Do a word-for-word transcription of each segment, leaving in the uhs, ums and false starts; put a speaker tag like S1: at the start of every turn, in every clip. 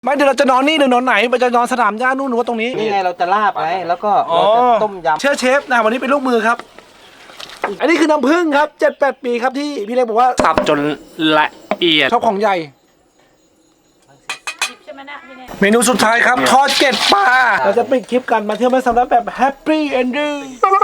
S1: ไม่เดี๋ยวเราจะนอนนี่หรือนอนไหนเราจะนอนสนามหญ้านู่นหรือว่าตรงนี้
S2: นี่ไงเราจะลาบไงแล้วก็เราจะต้มยำ
S1: เชื่อเชฟนะวันนี้เป็นลูกมือครับอันนี้คือน้ำผึ้งครับเจ็ดแปดปีครับที่พี่เล็กบอกว่าสับจนละเอียดชอบของใหญ่เมนูสุดท้ายครับทอดเกล็ดปลาเราจะไปคลิปกันมาเที่ยวแม่สำรับแบบแฮปปี้เอนดิ้ง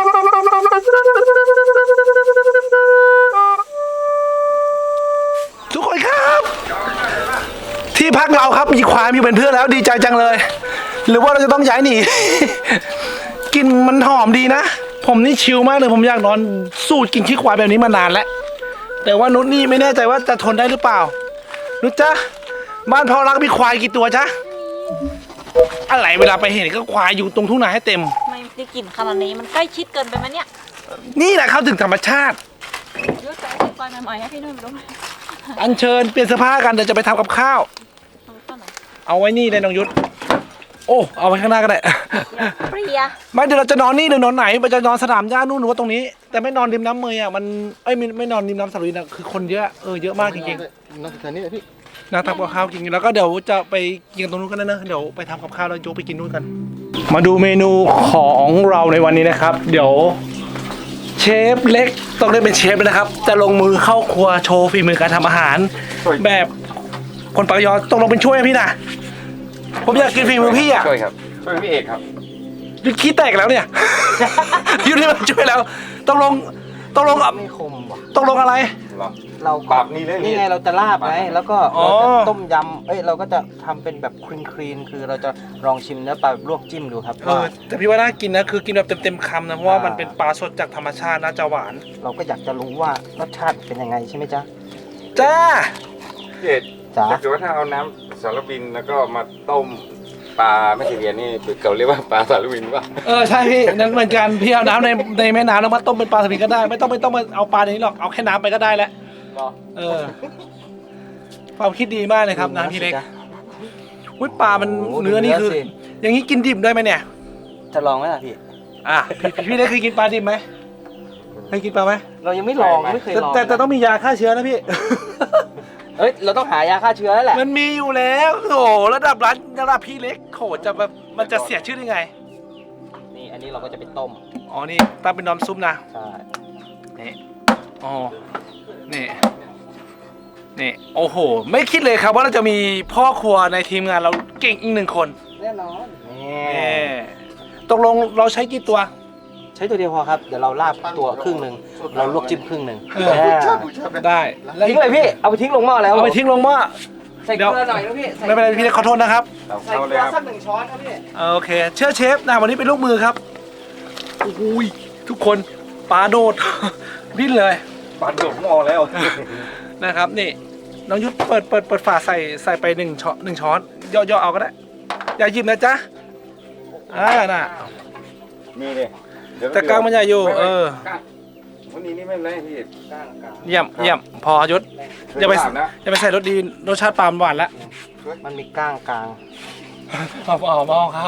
S1: ทุกคนครับที่พักเราครับมีควายอยู่เป็นเพื่อนแล้วดีใจจังเลยหรือว่าเราจะต้องย้ายหนี กินมันหอมดีนะผมนี่ชิลมากเลยผมอยากนอนสูตรกินขี้ควายแบบนี้มานานแล้วแต่ว่านุชนี่ไม่แน่ใจว่าจะทนได้หรือเปล่านุชจ๊ะบ้านพ่อรักมีควายกี่ตัวจ๊ะอะไรเวลาไปเห็นก็ควายอยู่ตรงทุ่งนาให้เต็ม
S3: ไม่ได้กลิ่นขนาดนี้มันใกล้ชิดเกินไปไหมเนี่ย
S1: นี่แหละเข้าถึงธรรมชาติ
S3: เยอะจังควายใหม่ๆให้พี่นุ่นไปดู
S1: อันเชิญเปลี่ยนเสื้อผ้ากันเดี๋ยวจะไปทำกับข้าวเอาไว้นี่เลยน้องยุทธโอ้เอาไว้ข้างหน้าก็ได้
S3: เปรีย
S1: ไม่เดี๋ยวเราจะนอนนี่หรือนอนไหนเราจะนอนสนามหญ้านู่นหรือว่าตรงนี้แต่ไม่นอนริมน้ำเมยอ่ะมันเอ้ยไม่ไม่นอนริมน้ำสระวินอ่ะคือคนเยอะเออเยอะมากจริงๆ
S2: นอนแถวนี้พี่
S1: นั่งทำกับข้าวกินแล้วก็เดี๋ยวจะไปกินตรงนู้นกันนะเดี๋ยวไปทำกับข้าวแล้วโจ๊กไปกินนู่นกันมาดูเมนูของเราในวันนี้นะครับเดี๋ยวเชฟเล็กต้องได้เป็นเชฟเลยนะครับจะลงมือเข้าครัวโชว์ฝีมือการทำอาหารแบบคนปากยอต้องลงเป็นช่วยพี่นะผมอยากกินฝีมือพี่อ่ะ
S2: ช่วยครับช่วยพี่เอกครับ
S1: ยุดขี้แตกแล้วเนี่ย ยุดนี่มันช่วยแล้วต้องลงต้องลงอ่ะ
S2: ไม่คมว่ะ
S1: ต้องลงอะไร
S2: เราปรับนี่เลยนี่ไงเราจะลาบไงแล้วก็เราจะต้มยำเอ้ยเราก็จะทำเป็นแบบคลีนคลีนคือเราจะลองชิมเนื้อปลาลวกจิ้มดูครับ
S1: เออแต่พี่ว่าน่ากินนะคือกินแบบเต็มๆคำนะเพราะว่ามันเป็นปลาสดจากธรรมชาติน่าจะหวาน
S2: เราก็อยากจะรู้ว่ารสชาติเป็นยังไงใช่ไหมจ๊ะ
S1: จ้า
S4: พี่เอกจ้าถ้าเกิดว่าถ้าเอาน้ำสารวินแล้วก็มาต้มปลาไม่ใช่เรียนนี่เขาเรียกว่าปลาสารวินป่ะ
S1: เออใช่พี่นั่นเหมือนกันพี่เอาน้ำในในแม่น้ำแล้วมาต้มเป็นปลาสลิดก็ได้ไม่ต้องไม่ต้องมาเอาปลาในนี้หรอกเอาแค่น้ำไปก็ได้แล้วเออความคิดดีมากเลยครับน้ำพี่เล็กอุ้ยปลามันเนื้อนี่คืออย่างนี้กินดิบได้ไหมเนี่ย
S2: จะลองไหมล่ะพี่
S1: อ่ะพี่พี่เล็กเคยกินปลาดิบไหมเคยกินปลาไหม
S2: เรายังไม่ลองไม่เคยลอง
S1: แต่แต่ต้องมียาฆ่าเชื้อนะพี่
S2: เอ้ยเราต้องหายาฆ่าเชื้อแล้วแหละ
S1: มันมีอยู่แล้วโอ้ระดับร้านระดับพี่เล็กโหจะแบบมันจะเสียชื่อได้ไง
S2: นี่อันนี้เราก็จะไปต้ม
S1: อ๋อนี่ตั้งเป็นน้ำซุปนะ
S2: ใช่
S1: นี่อ๋อนี่นี่โอ้โหไม่คิดเลยครับว่าเราจะมีพ่อครัวในทีมงานเราเก่งอีกหนึ่งคน
S2: แน่นอน
S1: นี่ตกลงเราใช้กี่ตัว
S2: ใช้ตัวเดียวพอครับเดี๋ยวเราลาบตัวครึ่งหนึ่งเราลวกจิ้มครึ่งหนึ่ง
S1: ได้
S2: ทิ้งเลยพี่เอาไปทิ้งลงหม้อแล้ว
S1: เอาไปทิ้งลงหม้อ
S2: ใส่เกลือหน่อยนะพี่
S1: ไม่เป็นไรพี่ขอโทษนะครับ
S2: ใส่เกลือสักหนึ่งช้อนครับพี่
S1: โอเคเชื่อเชฟนะวันนี้เป็นลูกมือครับอุ้ยทุกคนปลาโดดดิ้นเลย
S4: ปลาโดดหม้อแล้ว
S1: นะครับนี่น้องยุทธเปิดเปิดเปิดฝาใส่ใส่ไปหนึ่งช้อนหนึ่งช้อนย่อๆเอาก็ได้อย่าหยิบนะจ๊ะอ่าน่ะ
S4: นี่เลย
S1: แต่กลางมันใหญ่อยู่เออ
S4: วันนี้นี่ไม่เป็นไรพี่
S1: เยี่ยมเยี่ยมพอยุทธอย่าไปอย่าไปใส่รสดีรสชาติปลาหวานแล้ว
S2: มันมีก้างกลาง
S1: เอาเอาเอาเขา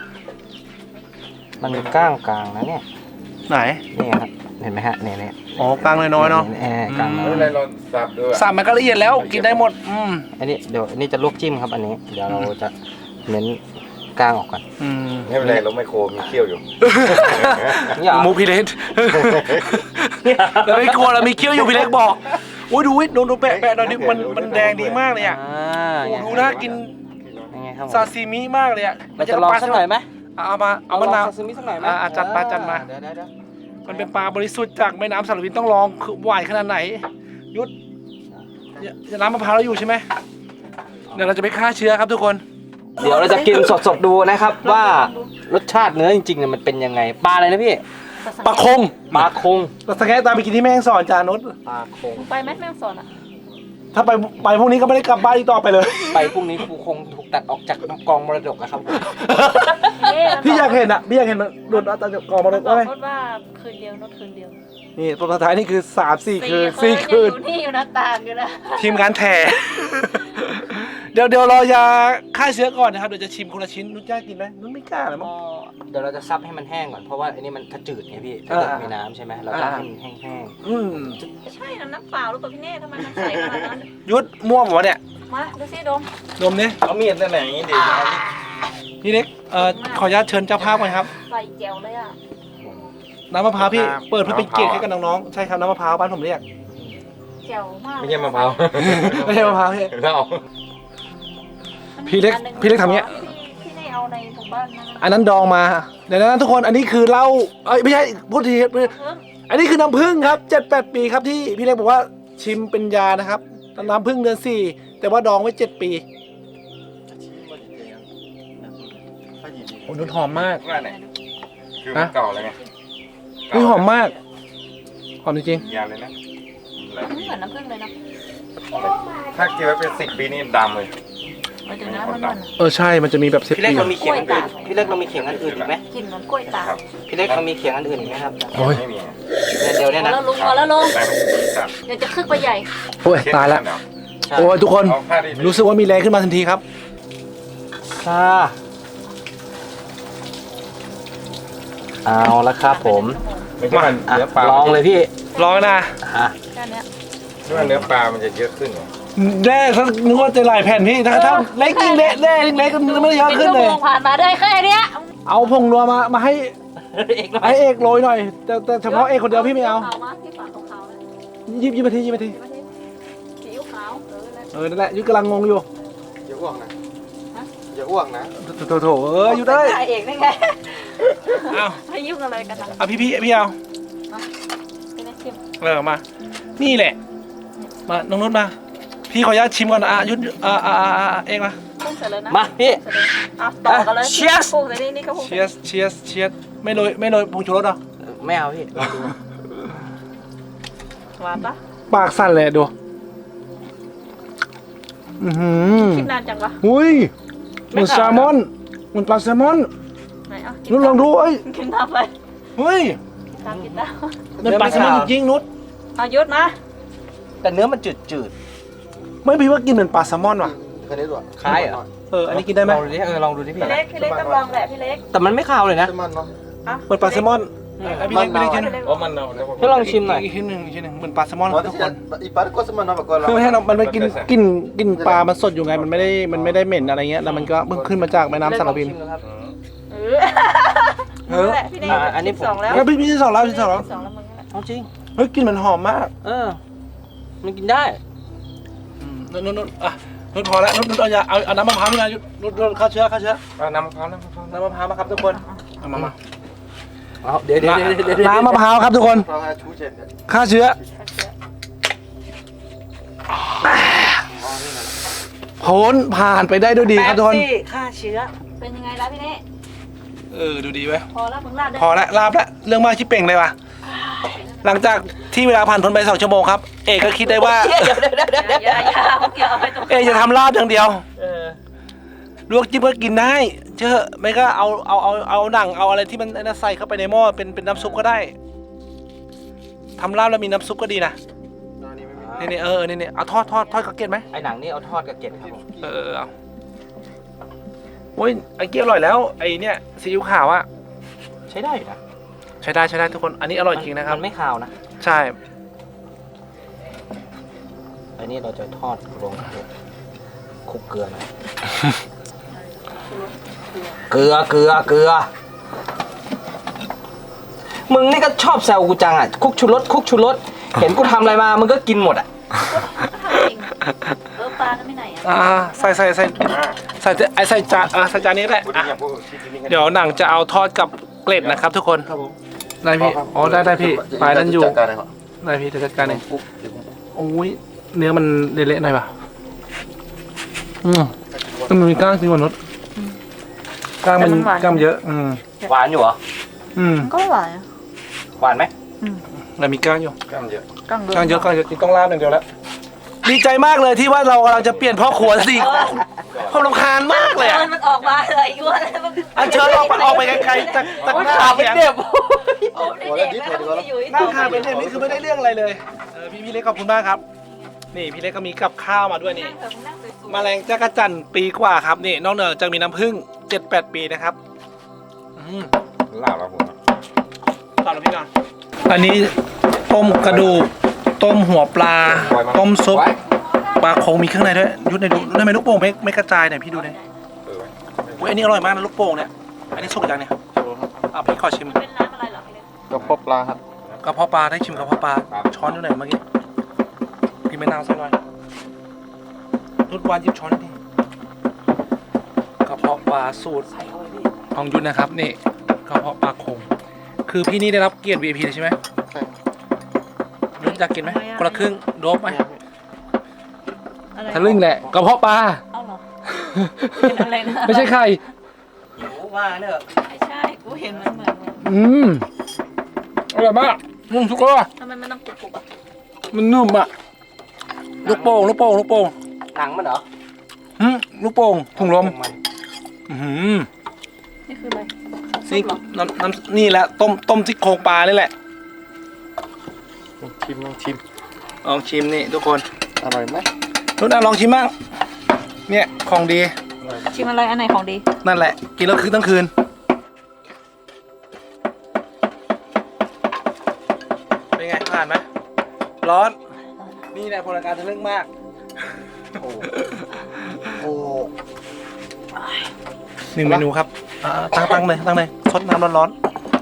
S2: มันมีก้างกลางนะเนี่ย
S1: ไหน
S2: นี่ครับเห็นไหมฮะเนี่ยเนี่ย
S1: อ๋อกลางน้อยๆเนาะ
S2: กลางน้อย
S4: เราสับด้วย
S1: สับมันก็ละเอียดแล้วกินได้หมดอืม
S2: อันนี้เดี๋ยวอันนี้จะลวกจิ้มครับอันนี้เดี๋ยวเราจะเน้นกลางออกก่อน
S1: อืม
S4: ไม่เป็นไรเราไม่โคมีเขี้ยวอยู่
S1: มูพี่เล็กเราไม่กลัวเรามีเขี้ยวอยู่พี่เล็กบอกโอ้ยดูวิดูดูแปะแปะหน่อยดิมันมันแดงดีมากเลยอ่ะดูน่ากินซาซิมิมากเลยอ่ะ
S2: เราจะลองสักหน่อยไหม
S1: เอามาเอามะนาว
S2: ซาซิมิสักหน่อยไหม
S1: อ่าจัดมาจัดมามันเป็นปลาบริสุทธิ์จากแม่น้ำสารวินต้องลองคือหวานขนาดไหนยุทธจะน้ำมะพร้าวเราอยู่ใช่ไหมเดี๋ยวเราจะไปฆ่าเชื้อครับทุกคน
S2: เดี๋ยวเราจะกินสดๆดูนะครับว่ารสชาติเนื้อจริงๆเนี่ยมันเป็นยังไงปลาอะไรนะพี่
S1: ปลาคง
S2: ปลาคง
S1: เราสแกนตามไปกินที่แม่งสอนจานุช
S2: ปลาคง
S3: ไปไหมแม่งสอนอ่ะ
S1: ถ้าไปไปพรุ่งนี้ก็ไม่ได้กลับบ้านอีกต่อไปเลย
S2: ไปพรุ่งนี้ครูคงถูกตัดออกจากกองมรดกนะครับ
S1: พี่อยากเห็นอ่ะพี่อยากเห็นมันโดนตัดจากกองมรดกไหม
S3: ว่าคืนเดียวนดคืนเดียว
S1: นี่ตัวสุดท้ายนี่คือสามสี่คืนสี่คืน
S3: นี่อยู่หน้าต่างอยู่นะ
S1: ทีมงานแถเดี๋ยวเดี๋ยวรอยาฆ่าเชื้อก่อนนะครับเดี๋ยวจะชิมคนละชิ้นนุชกล้ากินไหมนุชไม่กล้าหรอมั้ง
S2: เดี๋ยวเราจะซับให้มันแห้งก่อนเพราะว่าอันนี้มันจืดไงพี่ถ้าเกิดมีน้ำใช่ไหมเราจะให้มันแห้ง
S1: ๆอืม
S3: ไม่ใช่น้ำเปล่าหรือเปล่าพี่เน่ทำไมมันใสขนาดนั้น
S1: ยุดม่วงหมดเนี่ย
S3: มาดูสิดม
S1: ดมนี่
S4: เอามีดนั่นไหนอย่างนี้ดิ
S1: พี่เล็กเอ่อขออนุญาตเชิญเจ้าภาพก่อนครับ
S3: ใส่แจวเลยอ่ะ
S1: น้ำมะพร้าวพี่เปิดเพื่อเป็นเกียรติให้กับน้องๆใช่ครับน้ำมะพร้าวบ้านผมเรียก
S3: แจวมาก
S4: ไม่ใช่มะพร้าว
S1: ไม่ใช่มะพร้าวพี่
S4: เรา
S1: พี่เล็กพี่เล็กทำเงี้ย
S3: พี่ได้เอาในถุงบ้านนะ
S1: อันนั้นดองมาเดี๋ยวนะทุกคนอันนี้คือเหล้าเอ้ยไม่ใช่พูดทีอันนี้คือน้ำผึ้งครับเจ็ดแปดปีครับที่พี่เล็กบอกว่าชิมเป็นยานะครับน้ำผึ้งเดือนสี่แต่ว่าดองไว้เจ็ดปีโอ้นุ่นหอมมาก
S4: ว่าไหนคือมันเก่าแล้วไง
S1: อุ้ยหอมมากหอมจริง
S4: ยาเลยนะหลาย
S3: มัน
S4: ปี
S3: เหมือนน้ำผึ้งเลยเนาะ
S4: ถ้าเก็บไว้เป็นสิบปีนี่ดำเลย
S3: ไปถึงน้ำมันมัน
S1: ๆเออใช่มันจะมีแบบสิบ
S2: พี่เล็ก
S1: ปี
S2: เรามีเขียงอันอื่นพี่เล็กเรามีเขียงอันอื่นอีกไหม
S3: กลิ่นเหมือนกล้วยตาก
S4: ครับ
S2: พี่เล็กเรามีเขียงอันอื่นอีกไหมครับ
S1: โอ้ย
S4: ไม่มี
S2: เนี่ยเดี๋ยวเนี่ย
S3: พอ
S2: นะ
S3: แล้วลุงพอแล้วลุง
S4: แต่ครับ
S3: เดี๋ยวจะคึกไปใหญ่
S1: โอ้ยตายแล้ว
S2: ใช่
S1: โอ้ยทุกคน
S4: เอาผ้าดิ
S1: รู้สึกว่ามีแรงขึ้นมาทันทีครับ
S2: ค่ะเอาละครับผม
S4: ไม่ใช่มัน
S2: อ่ะ
S4: เนื้อปลา
S2: ลองเลยพี่
S1: ลองนะ
S2: อ่ะ
S3: แค่เนี้ย
S4: เนื้อเนื้อปลามันจะเยอะขึ้นไง
S1: แร่ถ้านึกว่าจะหลายแผ่นพี่ถ้าถ้าเล็กยิ่งเละแร่ยิ่งเล็กก็ไม่ได้เยอะ
S3: เป็น
S1: ขึ้น
S3: ชั่ว
S1: เล
S3: โม
S1: ย
S3: งผ่านมาได้แค่เนี้ย
S1: เอาผงนัวมามาให้
S2: เอกหน่อย
S1: ให้เอกโรยหน่อย แต่แต่เฉพาะเอกคนเดียวพี่ไม่เอา
S3: ขาวมาที่ฝาขาวๆเลย
S1: ยิบยิบมาทียิบมาที
S3: มาที่ซีอิ๊วขาวเออแล้ว
S1: เออนั่นแหละยุกกำลังงงอยู่
S5: อย่าอ้วกนะอย่าอ้วกนะ
S1: โถโถโถเอออยู่ได้
S3: ถ่ายเอกได้ไง
S1: เอา
S3: ไม่ยุ่งอะไรกันนะ
S1: เอาพี่พี่พี่เอา
S3: เป็นไงชิม
S1: เออมา นี่แหละ มาน้องนุชมา พี่ขออนุญาตชิมก่อนนะอ่ะยุดอ่าอ่าอ่าเอกมา
S3: พุ่งเสร็จเลยนะ
S2: มาพี่
S3: อ่ะต่อกันเลย
S2: Cheers
S3: พุ่งเสร็จนี่นี่ก็พุ่ง
S1: เชียสเชียสเชียสไม่โรยไม่โรยผงชูรสเหรอ
S2: ไม่เอาพี่ลองดู
S3: หวานปะ
S1: ปากสั่นเลยดูอือหือ
S3: คิดนานจังวะ
S1: อุ้ยเหมือนแซลมอนเหมือนปลาแซลมอน
S3: ไหนอ่ะ
S1: นุชลองดูเอ้ย
S3: กินตามไป
S1: เฮ้ย
S3: ตามกินตาม
S1: เหมือนปลาแซลมอนจริงๆนุช
S3: เอายุดมา
S2: แต่เนื้อมันจืดจืด
S1: ไม่พี่ว่ากินเหมือนปลาแซลมอนว่ะ
S5: แค่นี้ตัว
S2: ๆคล้ายเหรอ
S1: เอออันนี้กินได้ไหม
S2: ลองดูดิเออลองดูดิพี่
S3: พี่เล็กพี่เล็กต้องลองแหละพี่เล็ก
S2: แต่มันไม่คาวเลยนะ
S5: เซมันเนาะ
S3: อ่ะ
S1: เหมือนปลาแซลมอนเออพี่เล็กพี่เล็กชิ้น
S4: เพราะมันเอาแล้ว
S2: พี่ลองชิมหน่อย
S1: อีกชิ้นหนึ่งอีกชิ้นหนึ่งเหมือนปลาแซลมอนค
S5: อ๋อ
S1: รับทุก
S5: ที่
S1: ค
S5: จะ
S1: น
S5: อีปาร์ก็เซมันเนาะแบบว่า
S1: คือไม่ให้เรามันไม่กินกินกินปลามันสดอยู่ไงมันไม่ได้มันไม่ได้เหม็นอะไรเงี้ยแล้วมันก็เพิ่งขึ้นมาจากแม่น้ำสารพิน
S2: ลองชิมดูครับ
S3: เออ
S1: เออ
S3: นั่นแหละพี่เล็ก
S2: อ่ะอันนี้ผม
S3: สองแล้ว
S1: แล้วพี่พี่ที่สองแล้วที่สองแล้ว
S3: สองแล้วมึงนั่นแหละ
S2: เอาจริง
S1: เฮ้ยกลินมันหอมมาก
S2: เออ มันกินได้
S1: นุ่นนุ่นนุ่นอ่ะนุ่นพอแล้วนุ่นนุ่นเอาอย่าเอาเอาน้ำมะพร้าวนี่นะนุ่นนุ่นฆ่าเชื้อฆ่าเชื้อ
S4: เอาน้ำมะพร้าวน้ำมะพร้าว
S1: น้ำมะพร้าวมาครับทุกคนเอามามา
S2: เอาเดี๋ยวเดี๋ยวเดี๋ยวเดี๋ยวเดี๋ยว
S1: น้ำมะพร้าวครับทุกคน
S5: เราให้ชูเช็ดเนี่ย
S1: ฆ่าเชื้อพ้นผ่านไปได้ด้วยดีครับทุกคน
S2: แป๊บซี่ฆ่าเชื้อ
S3: เป็นยังไงล่ะพี่เล็ก
S1: เออดูดีไว้ย
S3: พอแล้วมึงลาดได้
S1: พอละลาบละเรื่องมากชิบเป่งเลยว่ะหลังจากที่เวลาผ่านพ้นไปสองชั่วโมงครับเอกก็คิดได้ว่า
S2: เดี๋ยวเดี๋ยวเดี๋ยวเดี๋ยว
S3: อย่าอย่าอย่าเอาเกี่ยวเอาไปตรง
S1: เอกจะทำลาบอย่างเดียว
S2: เออ
S1: ลวกจิ้มก็กินได้เชื่อไม่ก็เอาเอาเอาเอาหนังเอาอะไรที่มันไอ้นั่นใส่เข้าไปในหม้อเป็นเป็นน้ำซุปก็ได้ทำลาบแล้วมีน้ำซุปก็ดีนะ
S5: ตอนนี้ไม่มี
S1: นี่นี่เออนี่นี่เอาทอดทอดทอดกระเกียดไหม
S2: ไอหนังนี่เอาทอดกับเกล็ดครับผม
S1: เออเออเอาโอ้ยไอ้เกี๊ยวอร่อยแล้วไอ้เนี่ยซีอิ๊วขาวอะ
S2: ใช้ได้อยู่นะ
S1: ใช้ได้ใช้ได้ทุกคนอันนี้อร่อยจริงนะครับ
S2: มันไม่คาวนะ
S1: ใช่
S2: อันนี้เราจะทอดลงคลุกเกลือหน่อย เกลือเกลือเกลือ มึงนี่ก็ชอบแซวกูจังอ่ะคุกชูรสคุกชูรสเห็นกูทำอะไรมามึงก็กินหมดอ่ะ
S3: ทำจริงเออปลานั้นไม่ไหนอ่ะ
S1: อ่าใส่ใส่ใส่ใส่ไอ้ใส่จานอ่าใส่จานนี้แหละ
S4: พูด
S1: อ่ะ
S4: อย่างพูดที่ที่นี่กัน
S1: เดี๋ยวหนังจะเอาทอดกับเกล็ดนะครับทุกคน
S5: ครับผม
S1: ได้พี่อ๋อได้ได้พี่ปลายนั้นอยู่
S5: จัดการเลยครับ
S1: ได้พี่จะจัดการเอง
S5: ปุ๊บเดี๋ยวผม
S1: โอ้ยเนื้อมันเละๆหน่อยป่ะอืมมันมีกล้างจริงกว่านดกล้างมันกล้างมันเยอะ อืม
S2: หวานอยู่เหรอ
S1: อืม
S3: ก็หวาน
S2: หวานไหม
S1: แต่มีกล้างอยู่
S4: กล้ามเยอะ
S3: กังเดื
S1: กล้างเยอะกล้างเยอะจริงต้องลาบอย่างเดียวแล้วดีใจมากเลยที่ว่าเรากำลังจะเปลี่ยนพ่อครัวสิผมรำคาญมากเลยอะ
S3: มันออกมาเลยอ้วน
S1: อันเชิญออกไปออกไปไกลๆจากจากหน้า
S2: ขาเป็น
S1: เสียง
S2: เด็บ
S3: โอ้ยเด็กแล้วมันอยู่
S1: หน้าคาเป็นเนี่ยนี่คือไม่ได้เรื่องอะไรเลยเออพี่พี่เล็กขอบคุณมากครับ นี่พี่เล็กก็มีกับข้าวมาด้วยนี่
S3: นั่งเถอะนั่งสวย
S1: แมลงจักรจันทร์ปีกว่าครับนี่นอกเหนือจากมีน้ำผึ้งเจ็ดแปดปีนะครับอืม
S4: ลาบแล้วผม
S1: ต่อแล้วพี่นอนอันนี้ต้มกระดูกต้มหัวปลาต้มซุปปลาโคงมีเครื่องในด้วยยุดในดูทำไมลูกโป่งไม่ไม่กระจายเนี่ยพี่ดูดิ
S4: เออ
S1: เว้ยอันนี้อร่อยมากนะลูกโป่งเนี่ยอันนี้สุกยังเนี่ยอ่ะพี่ขอชิม
S3: เป็นร้านอะไรเหรอพี่เล็ก
S5: กระเพาะปลาครับ
S1: กระเพาะปลาได้ชิมกระเพาะปลาช้อนอยู่ไหนเมื่อกี้พี่ไม่นาวใส่หน่อยนุดวานหยิบช้อนดิกระเพาะปลาสูตรของยุทธนะครับนี่กระเพาะปลาโคงคือพี่นี่ได้รับเกียรติ วี ไอ พี เลยใช่ไหม
S5: ใช่
S1: ยุทธอยากกินไหมคนละครึ่งโดบไหม
S3: อะไร
S1: ทะลึ่งแหละกระเพาะปลา
S3: เอาเหรอเป็นอะไรนะ
S1: ไม่ใช่ไข่
S2: หิวมากเนอะ
S3: ไม่ใช่กูเห็นมันเหมือน
S1: อืมอร่อยมากนุ่มทุกคน
S3: ทำไมมันต้องกรุบกรุบอ่ะ
S1: มันนุ่มอ่ะลูกโป่งลูกโป่งลูกโป่ง
S2: หนังมันเหรอ
S1: หึลูกโป่งถุงลม
S2: มัน
S1: อื้อหือ
S3: นี่คืออะไร
S1: นี่น้ำน้ำนี่แหละต้มต้มซี่โครงปลานี่แหละ
S5: ลองชิมลองชิม
S1: ลองชิมนี่ทุกคน
S5: อร่อยไหม
S1: นุ่นอ่ะลองชิมบ้างเนี่ยของดี
S3: ชิมอะไรอันไหนของดี
S1: นั่นแหละ กินแล้วคืนทั้งคืนเป็นไงผ่านไหมร้อนนี่แหละพลังการทะลึ่งมาก
S2: โอ้
S1: หนึ่งเมนูครับอ่าตั้งตั้งเลยตั้งเลยซดน้ำร้อน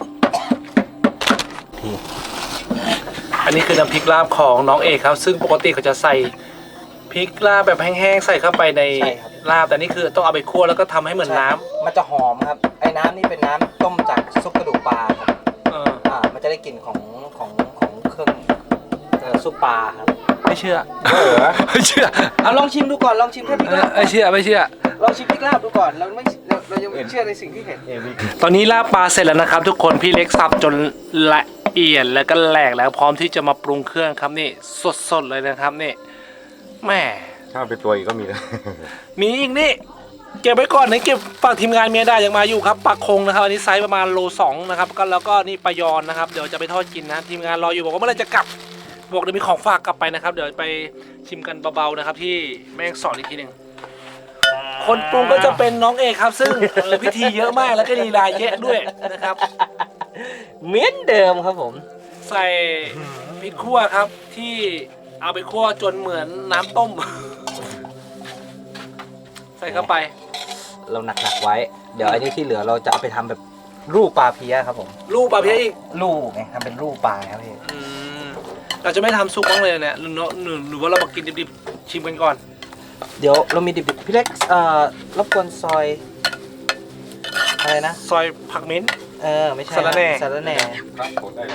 S1: ๆอันนี้คือน้ำพริกลาบของน้องเอกครับ ซึ่งปกติเขาจะใส่พริกลาบแบบแห้งๆใส่เข้าไปในลาบแต่นี่คือต้องเอาไปคั่วแล้วก็ทำให้เหมือนน้ำ
S2: มันจะหอมครับ ไอ้น้ำนี่เป็นน้ำต้มจากซุปกระดูกปลาครับ
S1: เออ
S2: อ่า มันจะได้กลิ่นของของของเครื่องเอ่อซุปปลาครับ
S1: ไม่เชื่อ
S4: เออ
S1: ไม่เชื่อ
S2: เอาลองชิมดูก่อน ลองชิมแค่พริกลาบ
S1: ไม่เชื่อไม่เชื่อ
S2: ลองชิมพริกลาบดูก่อน เราไม่เราเรายังไม่เชื่อในสิ่งที่เห็น
S5: เอวิ
S1: ตอนนี้ลาบปลาเสร็จแล้วนะครับ ทุกคนพี่เล็กสับจนละเอียดแล้วก็แหลกแล้วพร้อมที่จะมาปรุงเครื่องครับนี่สดๆเลยนะครับนี่แหม่
S4: ถ้าเป็นตัวอีกก็มีเลย
S1: มีอีกนี่เก็บไว้ก่อนนะเก็บฝากทีมงานเมียได้ยังมาอยู่ครับปลาคงนะครับอันนี้ไซส์ประมาณโลสองนะครับก็แล้วก็นี่ปลายอนนะครับเดี๋ยวจะไปทอดกินนะทีมงานรออยู่บอกว่าเมื่อไหรจะกลับบอกเดี๋ยวมีของฝากกลับไปนะครับเดี๋ยวไปชิมกันเบาๆนะครับที่แม่งสอนอีกทีหนึ่งคนปรุงก็จะเป็นน้องเอกครับ ซึ่งเออพิธีเยอะมากแล้วก็ลีลาเยอะด้วยนะครับ
S2: เหมือนเดิมครับผม
S1: ใส่พริกขั่วครับที่เอาไปคั่วจนเหมือนน้ำต้ม ใส่เข้าไป
S2: เราหนักๆไว้ เดี๋ยวไอ้นี่ที่เหลือเราจะเอาไปทำแบบรูปปลาเพี้ยครับผม
S1: ลูกปลาเพี้ยอีก
S2: รูปไงทำเป็นรูปปลาครับพี่
S1: อืมเราจะไม่ทำซุปบ้างเลยเนี่ยหรือเนอะหรือหรือว่าเรามากินดิบๆชิมกันก่อน
S2: เดี๋ยวเรามีดิบๆพี่เล็กเอ่อรบกวนซอยอะไรนะ
S1: ซอยผักมิ้นท์
S2: เออไม่ใช่
S1: สาระแหน่
S2: สาระแหน่
S4: ครับกดได้เลย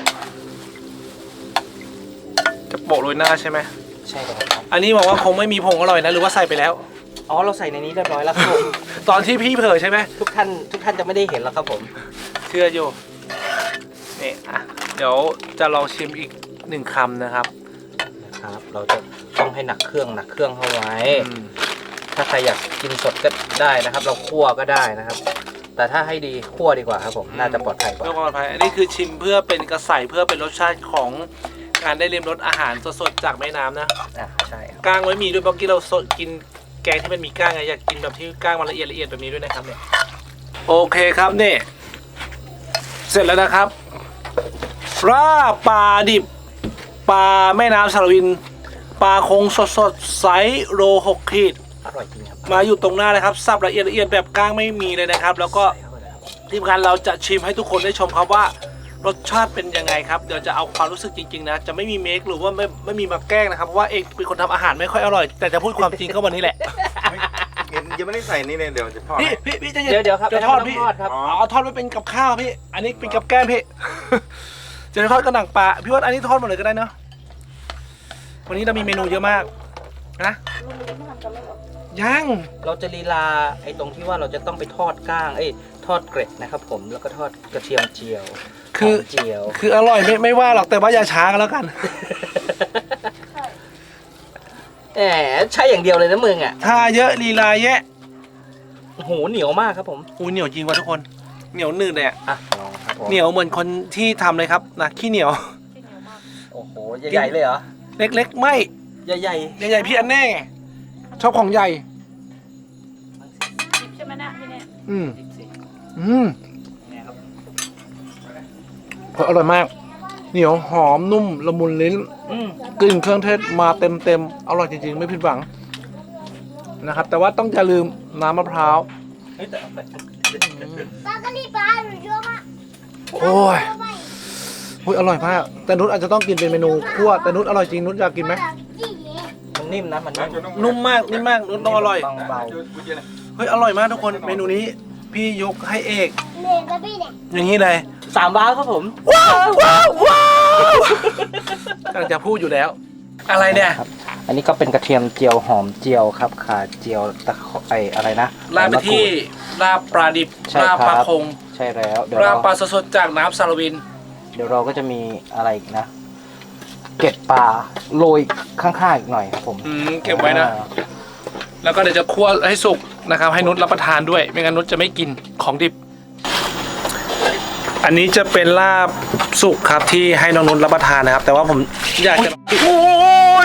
S1: จะโปะโรยหน้าใช่ไหม
S2: ใช่ครับ
S1: อันนี้บอกว่าคงไม่มีผงอร่อยนะหรือว่าใส่ไปแล้ว
S2: อ๋อเราใส่ในนี้เรียบร้อยแล้วครับผม
S1: ตอนที่พี่เผยใช่ไหม
S2: ทุกท่านทุกท่านจะไม่ได้เห็นแล้วครับผม
S1: เชื่ออยู่นี่อ่ะเดี๋ยวจะลองชิมอีกหนึ่งคำนะครับ
S2: นะครับ เราจะต้องให้หนักเครื่องหนักเครื่องเข้าไว้
S1: อืม
S2: ถ้าใครอยากกินสดก็ได้นะครับ เราคั่วก็ได้นะครับ แต่ถ้าให้ดีคั่วดีกว่าครับผมน่าจะปลอดภัยกว่า
S1: เพื่อความปลอดภัยอันนี้คือชิมเพื่อเป็นกระใสเพื่อเป็นรสชาติของการได้เรียมรสอาหารสดๆจากแม่น้ำนะ
S2: อ่าใช่ครับ
S1: ก้างไว้มีด้วยเมื่อกี้เราสดกินแกงที่มันมีก้างไงอยากกินแบบที่ก้างมันละเอียดละเอียดแบบนี้ด้วยนะครับเนี่ยโอเคครับนี่เสร็จแล้วนะครับราปลาดิบปลาแม่น้ำสารวินปลาคงสดๆไซส์โลหกขีด
S2: อร่อยจริงครับ
S1: มาอยู่ตรงหน้าเลยครับสับละเอียดละเอียดแบบก้างไม่มีเลยนะครับ แล้วก็ทีมงานเราจะชิมให้ทุกคนได้ชมครับว่ารสชาติเป็นยังไงครับเดี๋ยวจะเอาความรู้สึกจริงๆนะจะไม่มีเมคหรือว่าไม่ไม่มีมาแกล้งนะครับเพราะว่าเอกเป็นคนทำอาหารไม่ค่อยอร่อย แต่จะพูดความจริงก็วันนี้แหละ
S4: ยังไม่ได้ใส่นี่เลยเดี๋ยวจะทอด
S1: พี่
S4: ให้
S1: พี่พี่จะ
S2: เดี๋ยวเดี๋ยวครับ
S1: จะทอดพี่
S2: ทอดครับ
S1: อ๋อเอาทอดไว้เป็นกับข้าวพี่ อันนี้เป็นกับแก้มพี่ จะทอดกระหนังปลาพี่ว่าอันนี้ทอดหมดเลยก็ได้เนาะวันนี้เรามีเมนูเยอะมากนะยัง
S2: เราจะลีลาไอ้ตรงที่ว่าเราจะต้องไปทอดก้างเอ้ยทอดเกร็ดนะครับผมแล้วก็ทอดกระเทียมเจียว
S1: คือ
S2: หอมเจียว
S1: คืออร่อยไม่ไม่ว่าหรอกแต่ว่าอย่าช้ากันแล้วกัน
S2: แหมใช่อย่างเดียวเลยนะมึงอ่ะ
S1: ถ้าเยอะลีลาแยะ
S2: โอ้โหเหนียวมากครับผม
S1: อุ้ยเหนียวจริงว่ะทุกคนเหนียวหนืดเลยอะ
S2: อ่ะลองครับผม
S1: เหนียวเหมือนคนที่ทำเลยครับนะขี้เหนียว
S2: โอ้โหใหญ่ๆเลยเหรอ
S1: เล็กๆ ไม่
S2: ใหญ่
S1: ใหญ่ๆพี่อันแน่ชอบของใหญ่
S3: ดิบใช่ไหมนะพี่เนี่ย
S1: อืม
S2: ๆสิบสี่
S1: อืม
S2: เนี่ยครับ
S1: อร่อยมาก เหนียวหอมนุ่มละมุนลิ้น
S2: อืม
S1: กลิ่นเครื่องเทศมาเต็มเต็มๆอร่อยจริงๆ ไม่ผิดหวังนะครับ แต่ว่าต้องอย่าลืมน้ำมะพร้าว
S2: เฮ้ยแต่เอาไป
S6: ปลากระดีปลาหนูเยอะมาก
S1: โอ้ยโอ้ยอร่อยมากแต่นุชอาจจะต้องกินเป็นเมนูคั่วแต่นุชอร่อยจริงนุชอยากกินไหม
S2: มันนิ่มนะมันนิ่ม
S1: นุ่มมากนิ่มมากนุชต้องอร่อย
S2: บางเบา
S1: เฮ้ยอร่อยมากทุกคนเมนูนี้พี่ยกให้เอก
S6: เหนื่อยกับพี่เนี่ย
S1: อย่างนี้เลย
S2: สามว้าวครับผม
S1: ว้าวว้าวว้าวกำลังจะพูดอยู่แล้ว อะไรเนี่ย
S2: ครับ อันนี้ก็เป็นกระเทียมเจียวหอมเจียวครับขาเจียวตะไคไออะไรนะ
S1: ลาบไปที่ลาบปลาดิบ
S2: ใช่
S1: ลาบ
S2: ครับ
S1: ปลาคง
S2: ใช่แล้วเดี๋ยว
S1: ลา
S2: เรา
S1: บปลาสดๆจากน้ำสารวิน
S2: เดี๋ยวเราก็จะมีอะไรอีกนะ เกล็ดปลาโรยข้างๆอีกหน่อยครับผม
S1: อืมเก็บไว้นะ
S2: อ่า
S1: แล้วก็เดี๋ยวจะคั่วให้สุกนะครับ ให้นุชรับประทานด้วย ไม่งั้นนุชจะไม่กินของดิบ อันนี้จะเป็นลาบสุกครับที่ให้น้องนุชรับประทานนะครับ แต่ว่าผมอยากจะโอ้ย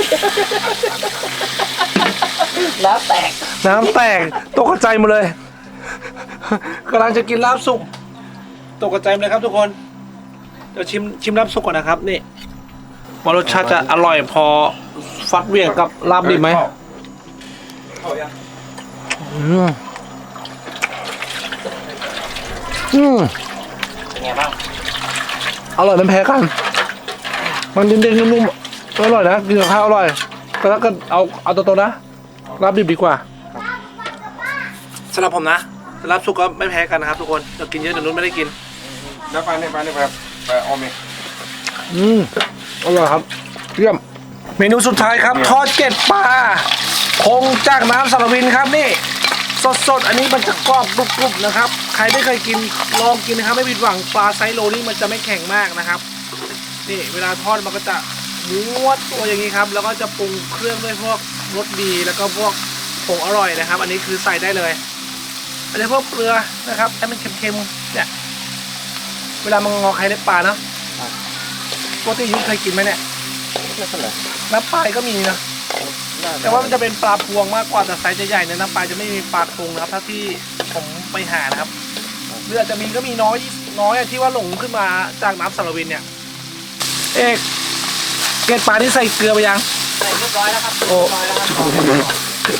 S2: แล้วแตก
S1: น้ำแตกตกใจหมดเลยกำลังจะกินลาบสุกตกใจหมดเลยครับทุกคนเดี๋ยวชิมชิมลาบสุกก่อนนะครับนี่ว่ารสชาติจะอร่อยพอฟัดเหวี่ยงกับลาบดิบไหมอืมอืม
S2: เป็นไงบ้าง
S1: อร่อยไม่แพ้กัน มันเด้งๆนุ่มๆอร่อยนะกินกับข้าวอร่อยแต่ถ้าเกิดเอาเอาตัวๆนะลาบดิบดีกว่าสำหรับผมนะลาบสุกก็ไม่แพ้กันนะครับทุกคนเรากินเยอะเดี๋ยวนู้นไม่ได้กิน
S4: แล้วปลาเนี่ยปลาเนี่ยแบบปลาออมเนี่ย
S1: อืมอร่อยครับเยี่ยมเมนูสุดท้ายครับ ทอดเกล็ดปลาคงจากน้ำสารวินครับนี่สดๆอันนี้มันจะกรอบกรุบๆนะครับใครไม่เคยกินลองกินนะครับไม่ผิดหวังปลาไซส์โลนี่มันจะไม่แข็งมากนะครับนี่เวลาทอดมันก็จะม้วนตัวอย่างนี้ครับแล้วก็จะปรุงเครื่องด้วยพวกรสดีแล้วก็พวกผงอร่อยนะครับ อันนี้คือใส่ได้เลยอันนี้พวกเกลือนะครับให้มันเค็มๆเนี่ยเวลามันงอไข่ในปลาเนาะปกติยุ้ยเคยกินไหมเนี่ย
S2: ไม่เป็นไร
S1: น้ำปลาก็มีนะแต่ว่ามันจะเป็นปลาพวงมากกว่าแต่ไซส์จะใหญ่เนี่ยน้ำปลาจะไม่มีปลาพวงนะครับถ้าที่ผมไปหานะครับหรืออาจจะมีก็มีน้อยน้อยอะที่ว่าหลงขึ้นมาจากน้ำสารวินเนี่ยเอกเกล็ดปลาที่ใส่เกลือไปยัง
S2: ใส่เรียบร้อยแล้วครับ
S1: โอ้
S2: เรียบร้อยแล้วครับ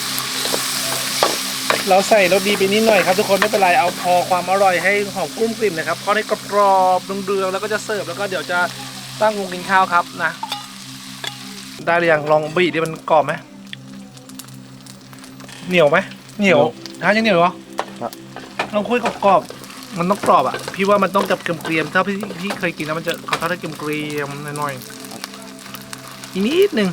S1: เราใส่รสดีไปนิดหน่อยครับทุกคนไม่เป็นไรเอาพอความอร่อยให้หอมกลุ้มกลิ่นนะครับทอดให้กรอบๆเดืองๆแล้วก็จะเสิร์ฟแล้วก็เดี๋ยวจะตั้งวงกินข้าวครับนะได้หรือยังลองบีดิมันกรอบไหมเหนียวไหมเหนียวฮะยังเหนียวเหรอลองคุยกรอบๆมันต้องกรอบอ่ะพี่ว่ามันต้องจับเกรียมๆถ้าพี่พี่เคยกินแล้วมันจะเขาทอดได้เกรียมๆหน่อยๆอีกนิดนึง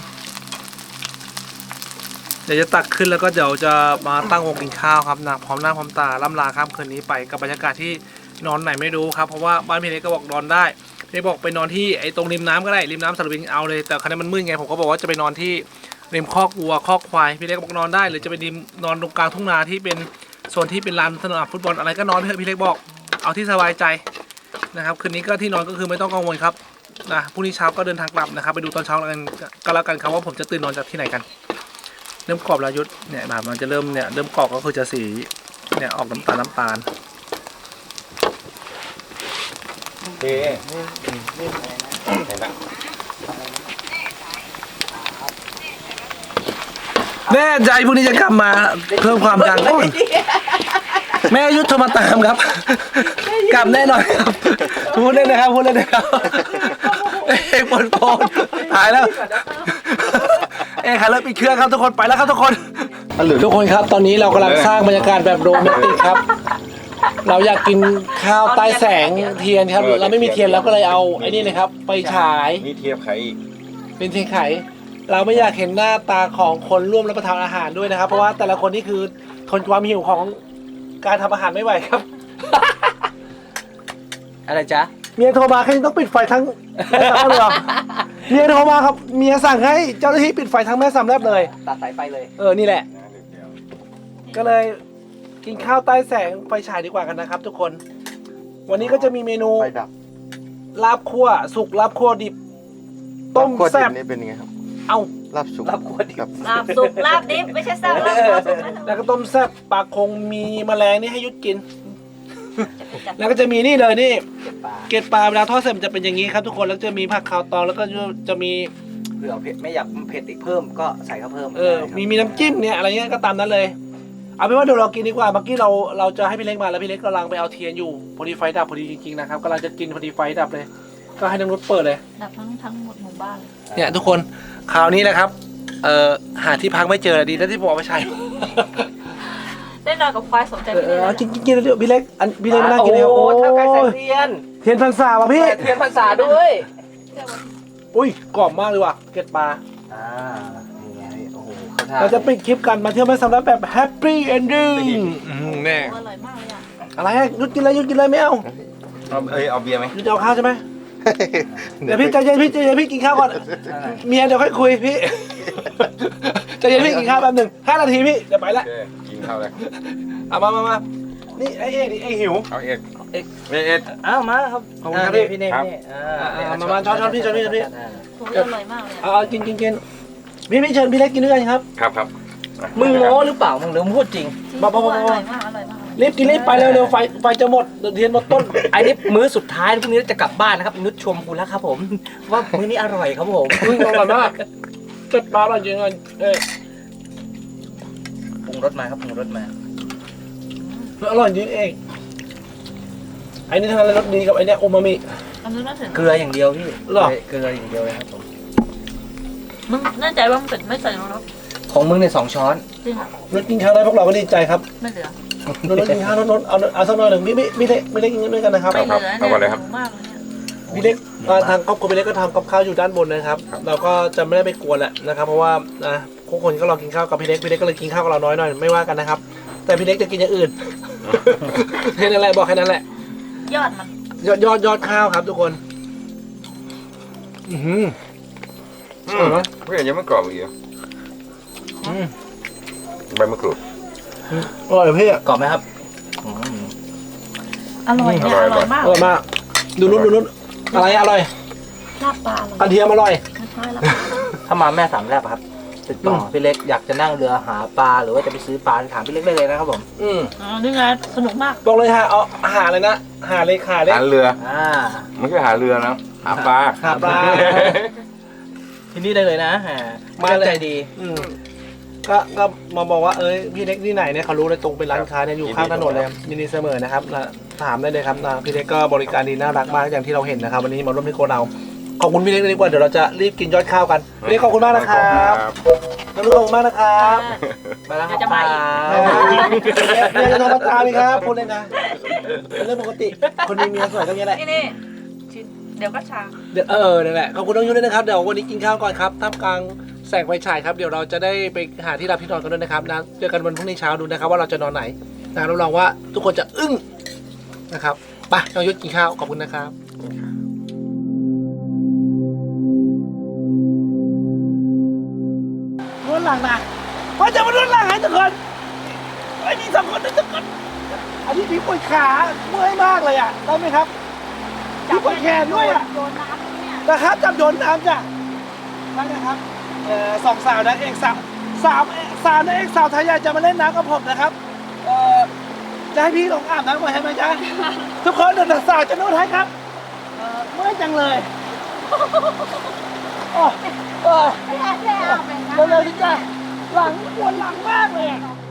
S1: เดี๋ยวจะตักขึ้นแล้วก็เดี๋ยวจะมาตั้งวงกินข้าวครับนะพร้อมหน้าพร้อมตาล่ำลาข้ามคืนนี้ไปกับบรรยากาศที่นอนไหนไม่รู้ครับเพราะว่าบ้านพี่เล็กก็บอกนอนได้พี่เล็กบอกไปนอนที่ไอ้ตรงริมน้ำก็ได้ริมน้ำสารวินเอาเลยแต่ครั้นี้มันมืดไงผมก็บอกว่าจะไปนอนที่ริมคอกวัวคอกควายพี่เล็กบอกนอนได้หรือจะไปริมนอนตรงกลางทุ่งนาที่เป็นโซนที่เป็นลานสนามฟุตบอลอะไรก็นอนเถอะพี่เล็กบอกเอาที่สบายใจนะครับคืนนี้ก็ที่นอนก็คือไม่ต้องกังวลครับนะพรุ่งนี้เช้าก็เดินทางกลับนะครับไปดูตอนเช้ากันก็แล้วกันครับว่าผมจะตื่นนอนจากที่ไหนกันเริ่มกรอบแล้วยุทธเนี่ยแบบมันจะเริ่มเนี่ยเริ่มกรอบก็คือจะสีเนี่ยออกน้ำตาลน้ำตาล
S4: เอ๊ะเห็นปะ
S1: แน่ใจพวกนี้จะกลับมาเพิ่มความดังก่อนแม่ยุทธโทรมาตามครับ กลับแน่นอนครับพูดเล่นนะครับพูดเล่นนะครับเอ้ปนปนหายแล้วเอ้ขาเลิกปิดเครื่องครับทุกคนไปแล้วครับทุกคนทุกคนครับตอนนี้เรากำลังสร้างบรรยากาศแบบโรแมนติกครับ เราอยากกินข้าวใต้แสงเทียนครับเราไม่มีเทียนแล้วก็เลยเอาไอ้นี่เลยครับไปฉาย
S4: มีเทียบไข่อีก
S1: เป็นเทียนไขเราไม่อยากเห็นหน้าตาของคนร่วมรับประทานอาหารด้วยนะครับเพราะว่าแต่ละคนนี่คือทนความหิวของการทำอาหารไม่ไหวครับ
S2: อะไรจ๊ะ
S1: เมียโทรมาแค่นี้ต้องปิดไฟทั้งแม่สามแลบเลยเหรอเมียโทรมาครับเมียสั่งให้เจ้าหน้าที่ปิดไฟทั้งแม่สามแลบเลย
S2: ตัดสายไฟเลย
S1: เออนี่แหละ ก็เลยกินข้าวใต้แสงไฟฉายดีกว่ากันนะครับ ทุกคน วันนี้ก็จะมีเมนู
S5: ไฟดับ
S1: ลาบคั่วสุกลาบคั่วดิบต้ม
S5: ลาบคั่ว
S1: แซ่บ
S5: ดินี่เป็นยังไงครับ
S1: เอา
S5: ลาบสุก
S2: ลาบคั่วดิบ
S5: ครับ
S3: ลาบสุกลาบดิบไม่ใช่แซ่บลาบลาบสุกนะ
S1: แล้วก็ต้มแซ่บปลาคงมีแมลงนี่ให้ยุดกิน
S3: จะเป็นจัด
S1: แล้วก็จะมีนี่เลยนี่
S2: เก็บปลา
S1: เกล็ดปลาเวลาทอดเสร็จมันจะเป็นอย่างนี้ครับทุกคนแล้วจะมีผักขาวตองแล้วก็จะมี
S2: เผื่อเผ็ดไม่อยากเผ็ดอีกเพิ่มก็ใส่เข้าเพิ่ม
S1: เออ
S2: ได้ครับ
S1: มีมีน้ำจิ้มเนี่ยอะไรเงี้ยก็ตามนั้นเลย เอาเป็นว่าเดี๋ยวเรากินดีกว่า เมื่อกี้เราเราจะให้พี่เล็กมาแล้วพี่เล็กกำลังไปเอาเทียนอยู่ พอดีไฟดับพอดีจริงๆนะครับกำลังจะกินพอดีไฟดับเลย ก็ให้น้องนุชเปิดเลย
S3: ดับทั้งทั้งหมดหมู่บ้านเลย
S1: เนี่ยทุกคนคราวนี้นะครับ เอ่อหาที่พักไม่เจอดีแล้วที่ผมเอาไปใช้
S3: ได้นอนกับควายสมใจ
S1: เอ
S3: พี่
S1: อ
S3: เลย
S1: เอากินกินกินเดี๋ยวพี่เล็กอันพี่เล็กมานั่งกินเดี๋ยว
S2: โอ้
S1: โอ้
S2: เท่าไก่แสง
S1: ย
S2: เทียน
S1: เทียนพรรษาว่ะพี่
S2: เทียนพรรษาด้วย
S1: อุ้ยกรอบมากเลยว่ะเกล็ดปลา
S2: อ่านี่ไงโอ้โหเข้าท่า
S1: เราจะปิดคลิปกันมาเที่ยวแม่สำรับแบบแฮปปี้เอนดิ้งแน่
S3: โอ้อร่อยมากเลยอ่ะ
S1: อะไรอะยุดกินเลยยุดกินเลยไม่เอา
S4: เอาเอ้ยเอาเบียร์ไหม
S1: ยุดจะเอาข้าวใช่ไหมเดี๋ยวพี่ใจเย็นพี่ใจเย็นพี่กินข้าวก่อนเมียเดี๋ยวค่อยคุยพี่ใจเย็นพี่กินข้าวแป๊บหนึ่งห้านาทีพี่เดี๋ยวไปละ
S4: โอเคกินข้าวเลย
S1: เอามามามานี่ไอ้เอกนี่ไอ้หิว
S4: เอาเอ็ด
S1: เอก
S4: เอ็ดเอ็ด
S2: อ้าวมาครับ
S1: ขอบคุณครับ
S2: า
S1: พี่
S2: พี่เน่
S4: ครับ
S2: พี่เน่อ่า
S1: อ่ามามาช้อนช้อนพี่ช้อนพี่ช้อนพี่
S2: อ่า
S3: โอ้ยอร่อยมากเลย
S1: เอาเอากินกินกินพี่พี่เชิญพี่เล็กกินด้วยกันครับ
S4: ครับครับ
S2: มึงโม้หรือเปล่ามึงหรือมึงพูดจริง
S3: จริง
S1: บ้าบ้าบ้า
S3: อร่อยมากอร่อยมาก
S1: รีบกินรีบไปเร็วเร็วไฟไฟจะหมดเดี๋ยวเทียนหมดต้น
S2: อันนี้มื้อสุดท้ายพรุ่งนี้จะกลับบ้านนะครับนุชชมคุณแล้วครับผม ว่ามื้อนี้อร่อยครับผม
S1: อุ้ยอร่อยมากเกิดปลาอร่อยจริงเลยเอ้ย
S2: ปรุงรสมาครับปรุงรสมา
S1: อร่อยจริงเองไอ้นี่ทางรสดีกับไอ้เนี่ยโอมามิ
S3: อันนี้น่าถึง
S2: เกลืออย่างเดียวพี่
S1: หรอ
S2: เกลืออย่างเดียวเลยครับผม
S3: มึงแน่ใจว่ามึงเป็นไม่ใส่รส
S2: ของมึงในยสองช้อน
S3: จริงเหรอ
S1: รสกินข้าวได้พวกเราก็ดีใจครับ
S3: ไม่เหลือ
S1: รสกินข้าวนนเอาเอาสักหน่อยหนึ่งไม่ไม่ไม่ได้ไม่ได้กินด้วยกันนะครับ
S3: ไม่เหลือเนี่ยหิวมากเลยเนี่ย
S1: พี่เล็กอ่าทางครอบครัวพี่เล็กก็ทำกับข้าวอยู่ด้านบนนะครับ เราก็จะไม่ได้ไปกวนแหละนะครับ เพราะว่านะทุกคนก็รอกินข้าวกับพี่เล็กพี่เล็กก็เลยกินข้าวกับเราน้อยหน่อยไม่ว่ากันนะครับ แต่พี่เล็กจะกินอย่างอื่น แค่นั้นแหละบอกแค่นั้นแหละ
S3: ยอดมัน
S1: ยอดยอดยอดข้าวครับทุกคน อือหือ
S4: อื
S1: อร่อย
S4: ม
S1: ไหม
S4: เพื่อนยังไม่กรอบอีกเหรอ
S1: อืม
S4: ใบมะกรูด
S1: อร่อยพี่อ่ะ
S2: กรอบไหมครับอืม
S3: อร่อยเนี่ยอร่อยมาก
S1: อร่อยมากดูนุ่นดูนุ่นอะไรอร่อย
S3: ลาบปลาอร่อย
S1: กระเทียมอร่อย
S3: ไม่ใช่ละ
S2: ถ้ามาแม่สามแลบอะครับติดต่ออ
S1: ม
S2: พี่เล็กอยากจะนั่งเรือหาปลาหรือว่าจะไปซื้อปลาถามพี่เล็กได้เลยนะครับผม
S1: อืม
S3: อ๋อนี่ไงสนุกมาก
S1: บอกเลยฮะเอาหาเลยนะหาเลยขาเลย
S4: หาเรือ
S2: อ่า
S4: ไม่ใช่หาเรือนะหาปลา
S1: หาปลา
S2: ที่นี่ได้เลยนะอ่า
S1: มา
S2: มา
S1: เลย
S2: ใจดี
S1: อืมก็ก็มาบอกว่าเอ้ยพี่เล็กที่ไหนเนี่ยเขารู้เลยตรงเป็นร้านค้าเนี่ยอยู่ข้างถนนเลยมินิเสมอนะครับนะถามได้เลยครับนะพี่เล็กก็บริการดีน่ารักมากอย่างที่เราเห็นนะครับ วันนี้มาร่วมที่โคเราขอบคุณพี่เล็กเลยดีกว่าเดี๋ยวเราจะรีบกินยอดข้าวกันพี่เล็กขอบคุณมากนะครับน้องลูกขอบคุณมากนะครับ
S2: มาแล้วครับ
S3: เดี๋ยวจะมาอีก
S1: เมียจะโทรมาตามอีกครับพูดเลยนะเป็นเรื่องปกติคนมีเมียสวยก็อย่างนี้แหละ
S3: นี่นี่ชิ้นเดี๋ยวก็ชา
S1: เดี๋ยวเออนั่นแหละขอบคุณน้องยุ้ยด้วยนะครับเดี๋ยววันนี้กินข้าวก่อนครับท่ามกลางแสงไฟฉายครับเดี๋ยวเราจะได้ไปหาที่รับที่นอนกันด้วยนะครับนะเจอกันวันพรุ่งนี้เช้าดูนะครับว่าเราจะนอนไหนนะรับรองว่าทุกคนจะอึ้งนะครับไปน้องยุ้ยกินข้าวขอบคุณนะครับนวดหลังนะพอจะมานวดหลังให้ทุกคนไอ้มีสองคนนะทุกคนอันนี้พี่ปวดขาเมื่อยมากเลยอ่ะได้ไหมครับพี่ปวดแขนด้วยอ่ะ
S3: โยนน้ำเนี่ย
S1: นะครับจับโยนน้ำจ้ะนั่นนะครับเอ่อสองสาวนะเอกสาวสามเอกสาวนะเอกสาวไทยใหญ่จะมาเล่นน้ำกับผมนะครับเอ่อจะให้พี่ลงอาบน้ำก่อนใช่ไหมจ๊ะ ทุกคนเดินสาวจะนวดให้ครับเอ่อเมื่อยจังเลยโอ้โอ้
S6: ไม่ได้ไม่เอาไปนะ
S1: เร็วๆสิจ้ะหลังปวดหลังมากเลยอะ